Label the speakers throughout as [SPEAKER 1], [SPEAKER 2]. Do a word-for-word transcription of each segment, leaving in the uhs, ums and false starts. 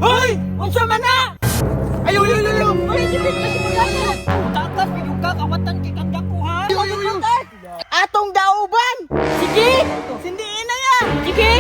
[SPEAKER 1] Hoy! Unsa man na?
[SPEAKER 2] Ayaw, ayaw, ayaw!
[SPEAKER 1] Hoy, dipit na simula na. Takas, piyong ka, kawatan kay kang dakuhan.
[SPEAKER 2] Ayaw, ayaw, ayaw!
[SPEAKER 3] Atong dauban!
[SPEAKER 1] Sige!
[SPEAKER 3] Sindiin na yan!
[SPEAKER 1] Sige!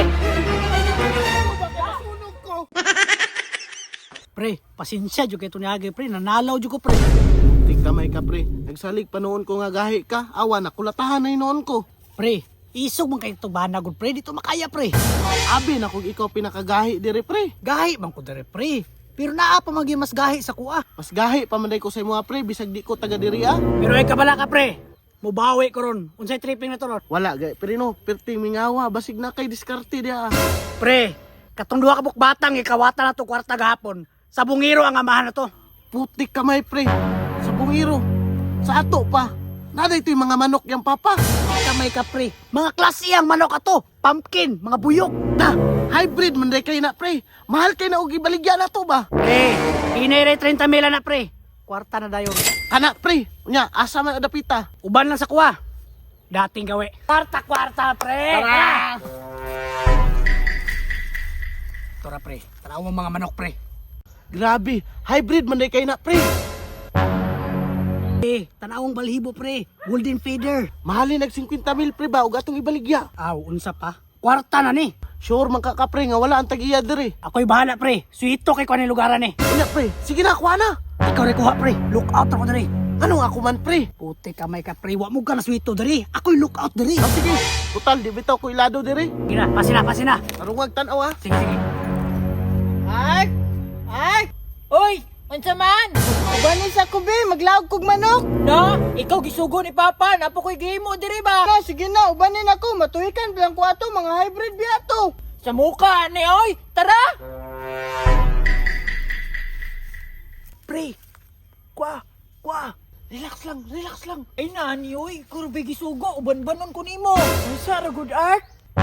[SPEAKER 2] Sunog ko!
[SPEAKER 4] Pre, pasensya jud kay tuniyagi pre, nanalaw jud ko pre.
[SPEAKER 2] Tik kamay ka, pre. Nagsalig pa noon ko nga gahi ka. Awa na, kulatahan na noon ko.
[SPEAKER 4] Pre, isog man kay tubana gud pre, dito makaya pre.
[SPEAKER 2] Abi na kung ikaw pinakagahi dire, pre.
[SPEAKER 4] Gahi man ko dere pre. Pero naa pa magi mas gahi sa kuha.
[SPEAKER 2] Mas gahi pa man ko sa mga pre, bisag di ko taga diri ah.
[SPEAKER 4] Pero ay kabala ka pre. Mubawi ko ron. Unsay tripping na to ron?
[SPEAKER 2] Wala gay, pero no, perting mingawa, basig na kay diskarte dia.
[SPEAKER 4] Pre, katong duha ka bukbatang ikawata na to kwarta gahapon. Sa bungiro ang amahan na to.
[SPEAKER 2] Putik kamay, pre. Sa bungiro. Sa ato pa. Nada ito yung mga manok yung papa.
[SPEAKER 4] Kamay ka pre. Mga klase ang manok ato. Pumpkin, mga buyok.
[SPEAKER 2] Ta, hybrid man day kayo na, pre. Mahal kayo na og ibaligya na to ba?
[SPEAKER 4] Pre, inere thirty mila na pre. Kwarta na dayon.
[SPEAKER 2] Kana, pre. Unya, asa man adapita.
[SPEAKER 4] Uban lang sa kuha. Dating gawe. Kwarta kwarta pre.
[SPEAKER 2] Tara!
[SPEAKER 4] Tora pre. Tanaw mo mga manok pre.
[SPEAKER 2] Grabe, hybrid man day kayo na, pre.
[SPEAKER 4] Eh, tanawang balhibo pre. Golden feeder.
[SPEAKER 2] Mahalin nag fifty mil, pre ba? Og atong ibaligya.
[SPEAKER 4] Aw, unsa pa? Kwarta na ni.
[SPEAKER 2] Sure man ka ka, pre, nga wala ang tag-iya dire.
[SPEAKER 4] Ako'y bahala pre. Suito kay kuaning lugaran ni.
[SPEAKER 2] Unya, pre. Sige na, kuha na.
[SPEAKER 4] Ikaw rin kuha pre. Look out ako dali.
[SPEAKER 2] Anong ako man, pre?
[SPEAKER 4] Puti kamay ka pre. Wa mo ka na suito dali. Ako'y look out dali.
[SPEAKER 2] Ah, sige. Total, di bitaw ko ilado dire.
[SPEAKER 4] Gina, pasina, pasina.
[SPEAKER 2] Tarungag tanaw, ha?
[SPEAKER 4] Sige, sige.
[SPEAKER 3] Ay! Ay!
[SPEAKER 1] Hoy! Unsa man?
[SPEAKER 3] Ubanin sa kubi, maglawag kog manok!
[SPEAKER 1] Na, ikaw gisugo ni Papa, napo ko'y gimo diri ba?
[SPEAKER 3] Na, sige na, ubanin ako, matuhikan bilang ko ato, mga hybrid biyato!
[SPEAKER 1] Sa muka ni oy, tara!
[SPEAKER 4] Pre. Kwa, kwa.
[SPEAKER 2] Relax lang, relax lang.
[SPEAKER 1] Ay nani oy, kurbe gisugo, uban-banon ko nimo. Unsa ra good art?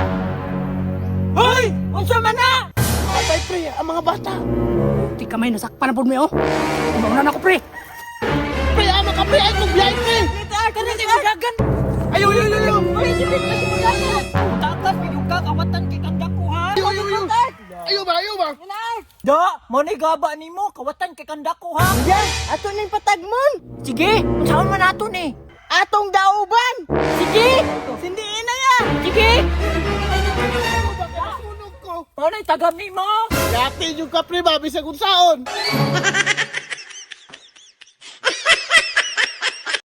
[SPEAKER 1] Hoy! Unsa man na?
[SPEAKER 2] Patay, pre, ang mga bata.
[SPEAKER 4] Puti kamay nasakpan na po mo oh. Umauna na ako pre.
[SPEAKER 2] Pre, ama ka, pre, ay kong biyay, pre.
[SPEAKER 1] Kana ni dagan.
[SPEAKER 2] Ayaw, ayaw, ayaw, ayaw.
[SPEAKER 1] Hoy, dipit na simula na. Takas, piyong ka, kawatan kay kang dakuhan.
[SPEAKER 2] Ayaw, ayaw, ayaw. Ayaw ba, ayaw ba?
[SPEAKER 1] Da, mo ni gaba nimo, kawatan kay kang dakuhan.
[SPEAKER 3] Yan, ato ning patagmon!
[SPEAKER 1] Sige, unsa man nato ni?
[SPEAKER 3] Atong dauban!
[SPEAKER 1] Sige!
[SPEAKER 3] Sindiin na yan!
[SPEAKER 1] Sige!
[SPEAKER 2] Sunog ko.
[SPEAKER 1] Ano tagam nimo?
[SPEAKER 2] Dati yung ka, pre, ba, bisag unsaon.